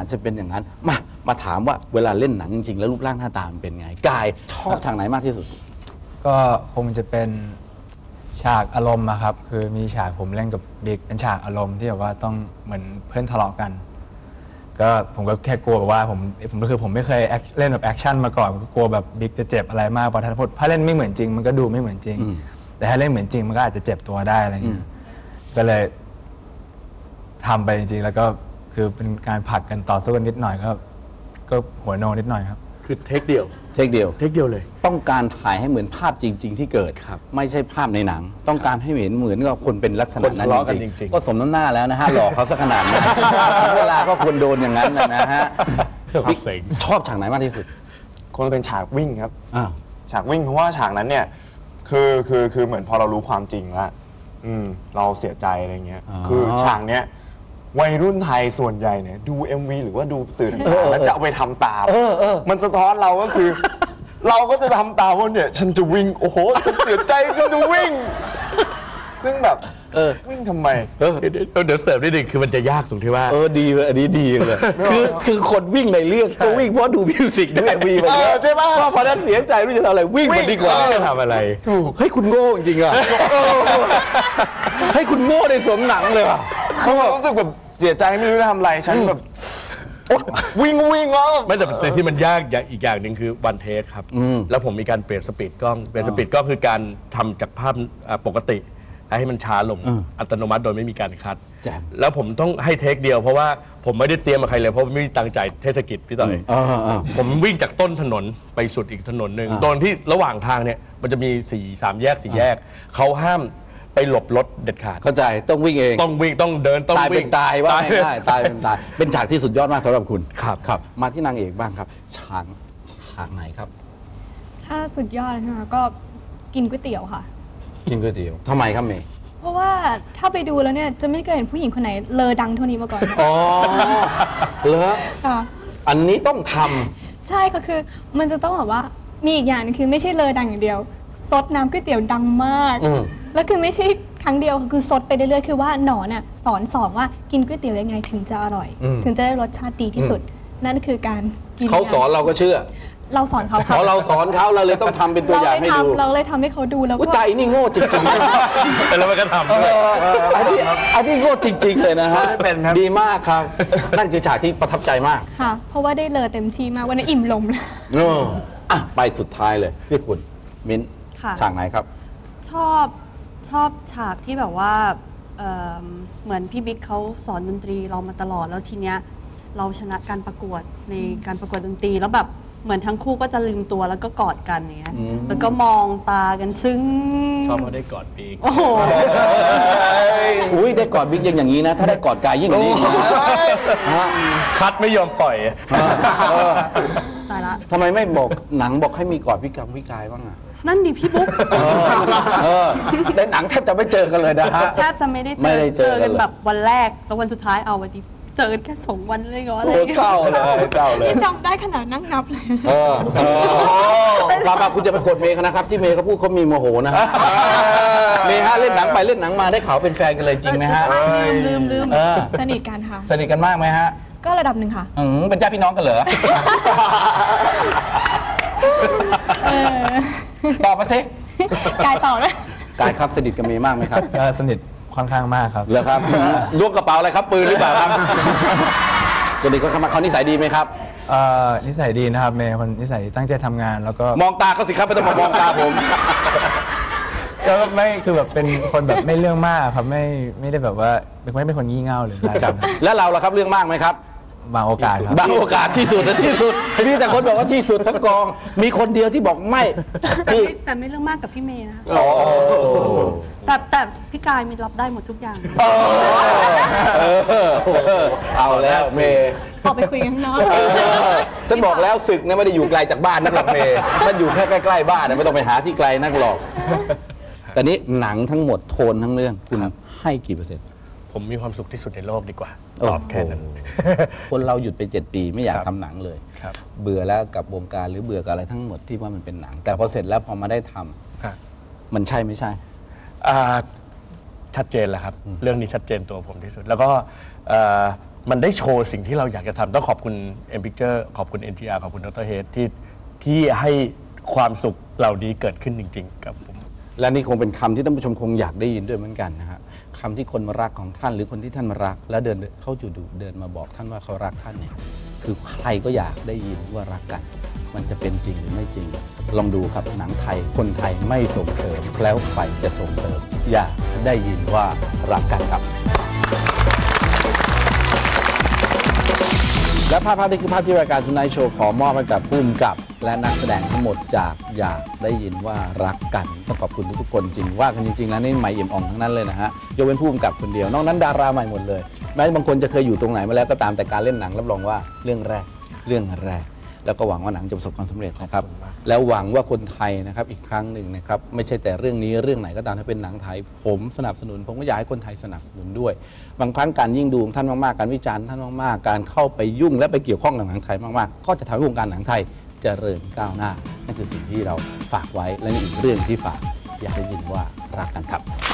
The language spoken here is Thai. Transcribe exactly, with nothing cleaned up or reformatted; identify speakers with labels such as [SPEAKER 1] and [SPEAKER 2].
[SPEAKER 1] จจะเป็นอย่างนั้นมามาถามว่าเวลาเล่นหนังจริงๆแล้วรูปร่างหน้าตามันเป็นไงกายชอบฉากไหนมากที่สุด
[SPEAKER 2] ก็คงจะเป็นฉากอารมณ์อะครับคือมีฉากผมเล่นกับบิ๊กเป็นฉากอารมณ์ที่แบบว่าต้องเหมือนเพื่อนทะเลาะกันก็ผมก็แค่กลัวแบบว่าผมผมก็คือผมไม่เคยเล่นแบบแอคชั่นมาก่อนก็กลัวแบบบิ๊กจะเจ็บอะไรมากเพราะถ้าถ้าเล่นไม่เหมือนจริงมันก็ดูไม่เหมือนจริงแต่ถ้าเล่นเหมือนจริงมันก็อาจจะเจ็บตัวได้อะไรเงี้ยก็เลยทำไปจริงๆแล้วก็คือเป็นการผลักกันต่อสู้กันนิดหน่อยก็ก็หัวโนนิดหน่อยครับ
[SPEAKER 3] คือเทคเดียว
[SPEAKER 1] เทคเดียว
[SPEAKER 3] เทคเดียวเลย
[SPEAKER 1] ต้องการถ่ายให้เหมือนภาพจริงๆที่เกิดไม่ใช่ภาพในหนังต้องการให้เห็นเหมือนกับคนเป็นลักษณะนั้นจริงๆก็สมน้ำหน้าแล้วนะฮะหลอกเขาสักขนาดนี้เวลาก็ควรโดนอย่างนั้นนะฮะชอบฉากไหนมากที่สุด
[SPEAKER 4] คงเป็นฉากวิ่งครับฉากวิ่งเพราะว่าฉากนั้นเนี่ยคือคือคือเหมือนพอเรารู้ความจริงแล้วเราเสียใจอะไรเงี้ยคือฉากเนี้ยวัยรุ่นไทยส่วนใหญ่เนี่ยดู เอ็ม วี หรือว่าดูสื่อต่างๆแล้วจะเอาไปทำตามมันสะท้อนเราก็คือ เราก็จะทำตามว่าเนี่ยฉันจะวิ่งโอ้โหฉันเสียใจฉันจะวิ่งซึ่งแบบวิ่งทำไม
[SPEAKER 3] เดี๋ยวเสริมนิดนึงคือมันจะยากตรงที่ว่า
[SPEAKER 1] เออดีเลยอันนี้ดีเลยคือคือคนวิ่งในเรื่องก็วิ่งเพราะดูมิวสิกด้วย เอ็ม วี ไปเยอะ
[SPEAKER 4] ใช่ป่ะ
[SPEAKER 1] ว่าพอนั้นเสียใจรู้จะทำอะไรวิ่งมันดีกว่า
[SPEAKER 3] จะทำอะไร
[SPEAKER 1] ถูกให้คุณโง่จริงอ่ะให้คุณโง่ในสมหนังเลยอ่ะ
[SPEAKER 4] เพราะรู้สึกแบบเสียใจไม่รู้จะทำอะไรฉันแบบวิ่งวิ่งแล้ว
[SPEAKER 3] ไม่แต่แต่ที่มันยากอีกอย่างหนึ่งคือวันเทคครับแล้วผมมีการเปลี่ยนสปีดกล้องเปลี่ยนสปีดกล้องคือการทำจากภาพปกติให้มันช้าลงอัตโนมัติโดยไม่มีการคัดแล้วผมต้องให้เทคเดียวเพราะว่าผมไม่ได้เตรียมมาใครเลยเพราะไม่มีตังใจเทศกิจพี่ต่อยผมวิ่งจากต้นถนนไปสุดอีกถนนหนึ่งตอนที่ระหว่างทางเนี่ยมันจะมีสี่สามแยกสี่แยกเขาห้ามไปหลบรถเด็ดขาด
[SPEAKER 1] เข้าใจต้องวิ่งเอง
[SPEAKER 3] ต้องวิ่งต้องเดินต้อง
[SPEAKER 1] ตายเป็นตายว่าง่ายๆตายเป็นตายเป็นฉากที่สุดยอดมากสำหรับคุณ
[SPEAKER 3] ครับ
[SPEAKER 1] ครับมาที่นางเอกบ้างครับฉากฉากไหนครับ
[SPEAKER 5] ถ้าสุดยอดใช่ไหมก็กินก๋วยเตี๋ยวค่ะ
[SPEAKER 1] กินก๋วยเตี๋ยวทำไมครับเมย์
[SPEAKER 5] เพราะว่าถ้าไปดูแล้วเนี่ยจะไม่เคยเห็นผู้หญิงคนไหนเลอดังเท่านี้มาก่อน
[SPEAKER 1] อ๋อเหรออันนี้ต้องท
[SPEAKER 5] ำใช่ก็คือมันจะต้องแบบว่ามีอีกอย่างนึงคือไม่ใช่เลอดังอย่างเดียวซดน้ำก๋วยเตี๋ยวดังมากแล้วคือไม่ใช่ครั้งเดียวคือซดไปเรื่อยๆคือว่าหนอนน่ะสอนสอนว่ากินก๋วยเตี๋ยวยังไงถึงจะอร่อยถึงจะได้รสชาติดีที่สุดนั่นคือการกิน
[SPEAKER 1] เขาสอนเราก็เชื่อ
[SPEAKER 5] เราสอนเขา
[SPEAKER 1] ค่ะเราสอนเขาเราเลยต้องทำเป็นตัวอย่างให้ดู
[SPEAKER 5] เราเลยทำให้เขาดูแล้วก็
[SPEAKER 1] ใจนี่โง่จริง
[SPEAKER 3] ๆแต่เราไม่กระทำ
[SPEAKER 1] อันนี้อันนี้โง่จริงๆเลยนะฮะดีมากครับนั่นคือฉากที่ประทับใจมาก
[SPEAKER 5] ค่ะเพราะว่าได้เลอเต็มที่มากวันนี้อิ่มลมเลย
[SPEAKER 1] อ่ะไปสุดท้ายเลยที่คุณมิ้นฉากไหนครับ
[SPEAKER 6] ชอบชอบฉากที่แบบว่าเหมือนพี่บิ๊กเขาสอนดนตรีเรามาตลอดแล้วทีเนี้ยเราชนะการประกวดในการประกวดดนตรีแล้วแบบเหมือนทั้งคู่ก็จะลืมตัวแล้วก็กอดกันเนี้ยแล้วก็มองตากันซึ้ง
[SPEAKER 3] ชอบว่าได้กอดบิ๊ก
[SPEAKER 6] โอ้โห
[SPEAKER 1] อุ้ยได้กอดบิ๊กยังอย่างนี้นะถ้าได้กอดกายยิ่งกว่านี้
[SPEAKER 3] คัดไม่ยอมปล่อย
[SPEAKER 6] ตายละ
[SPEAKER 1] ทำไมไม่บอกหนังบอกให้มีกอดพี่กังพี่กายบ้างอ่ะ
[SPEAKER 6] นั่นดิพี่บุ๊ก
[SPEAKER 1] ในหนังแทบจะไม่เจอกันเลยนะฮะ
[SPEAKER 6] แทบจะไม่ได้เจอกันแบบวันแรกแล้ววันสุดท้ายเอาวันที่เจอแค่สองวันเลยก็อะไร
[SPEAKER 1] เศร้าเลยเศร้าเลย
[SPEAKER 5] จำได้ขนาดนั่งนับเลย
[SPEAKER 1] เออปาปาคุณจะไปกดเมย์นะครับที่เมย์เขาพูดเขามีโมโหนะฮะเมย์ฮะเล่นหนังไปเล่นหนังมาได้ข่าวเป็นแฟนกันเลยจริงไหมฮะ
[SPEAKER 5] ลืมลืมสนิทกันค่ะ
[SPEAKER 1] สนิทกันมากไหมฮะ
[SPEAKER 5] ก็ระดับหนึ่งค่ะ
[SPEAKER 1] อืมเป็นญาติพี่น้องกันเหรอตอบมาสิ
[SPEAKER 5] กายตอบเลย
[SPEAKER 1] กายครับสนิทกับเมย์มากไหมครับ
[SPEAKER 2] สนิทค่อนข้างมากครับ
[SPEAKER 1] เหรอครับล้วงกระเป๋าอะไรครับปืนหรือเปล่าครับคนนี้เขาเขานิสัยดีไหมครับ
[SPEAKER 2] นิสัยดีนะครับเมย์คนนิสัยตั้งใจทำงานแล้วก็
[SPEAKER 1] มองตาเขาสิครับไม่ต้องมามองตาผม
[SPEAKER 2] ก็ไม่คือแบบเป็นคนแบบไม่เรื่องมากครับไม่ไม่ได้แบบว่าไม่เป็นคนงี่เง่าหรืออะไร
[SPEAKER 1] ครับแล้วเราล่ะครับเรื่องมากไหมครับ
[SPEAKER 2] บางโอกาสครับ
[SPEAKER 1] บางโอกาสที่สุดนะที่สุดมีแต่คนบอกว่าที่สุดทั้งกองมีคนเดียวที่บอกไม่
[SPEAKER 6] แต่ไม่เรื่องมากกับพี่เมย์นะแต่แต่พี่กายมีรับได้หมดทุกอย่าง
[SPEAKER 1] เอาแล้วเมย์
[SPEAKER 5] ออกไปคุยกันเนาะ
[SPEAKER 1] ฉันบอกแล้วศึกเนี่ยไม่ได้อยู่ไกลจากบ้านนักหรอกเมย์มันอยู่แค่ใกล้ๆบ้านไม่ต้องไปหาที่ไกลนักหรอกแต่นี้หนังทั้งหมดโทนทั้งเรื่องคุณให้กี่เปอร์เซ็นต์
[SPEAKER 3] ผมมีความสุขที่สุดในโลกดีกว่าตอบแค่นั้น
[SPEAKER 1] คนเราหยุดไปเจ็ดปีไม่อยากทำหนังเลยเบื่อแล้วกับวงการหรือเบื่อกับอะไรทั้งหมดที่ว่ามันเป็นหนังแต่พอเสร็จแล้วพอมาได้ทำมันใช่ไม่ใช่
[SPEAKER 3] ชัดเจนแหละครับเรื่องนี้ชัดเจนตัวผมที่สุดแล้วก็มันได้โชว์สิ่งที่เราอยากจะทำต้องขอบคุณ M Picture ขอบคุณ เอ็น ที อาร์ ขอบคุณดรเฮดที่ที่ให้ความสุขเหล่านี้เกิดขึ้นจริงๆกับผม
[SPEAKER 1] และนี่คงเป็นคำที่ท่านผู้ชมคงอยากได้ยินด้วยเหมือนกันนะฮะคำที่คนมารักของท่านหรือคนที่ท่านมารัก แล้วเดินเขาอยู่ดูเดินมาบอกท่านว่าเขารักท่านเนี่ยคือใครก็อยากได้ยินว่ารักกัน มันจะเป็นจริงหรือไม่จริง ลองดูครับหนังไทยคนไทยไม่ส่งเสริมแล้วใครจะส่งเสริมอยากได้ยินว่ารักกันครับและภาพภาพนี้คือภาพที่รายการทูไนท์โชว์ขอมอบให้กับผู้กำกับและนักแสดงทั้งหมดจากอยากได้ยินว่ารักกันต้องขอบคุณทุกๆคนจริงว่ากันจริงๆแล้วนี่ใหม่เอี่ยมอ่องทั้งนั้นเลยนะฮะยกเว้นผู้กำกับคนเดียวนอกนั้นดาราใหม่หมดเลยแม้บางคนจะเคยอยู่ตรงไหนมาแล้วก็ตามแต่การเล่นหนังรับรองว่าเรื่องแรกเรื่องแรกแล้วก็หวังว่าหนังจะประสบความสำเร็จนะครับแล้วหวังว่าคนไทยนะครับอีกครั้งหนึ่งนะครับไม่ใช่แต่เรื่องนี้เรื่องไหนก็ตามถ้าเป็นหนังไทยผมสนับสนุนผมก็อยากให้คนไทยสนับสนุนด้วยบางครั้งการยิ่งดูของท่านมากๆการวิจารณ์ท่านมากๆการเข้าไปยุ่งและไปเกี่ยวข้องกับหนังไทยมากๆก็จะทำให้วงการหนังไทยเจริญก้าวหน้านั่นคือสิ่งที่เราฝากไว้และนี่อีกเรื่องที่ฝากอยากได้ยินว่ารักกันครับ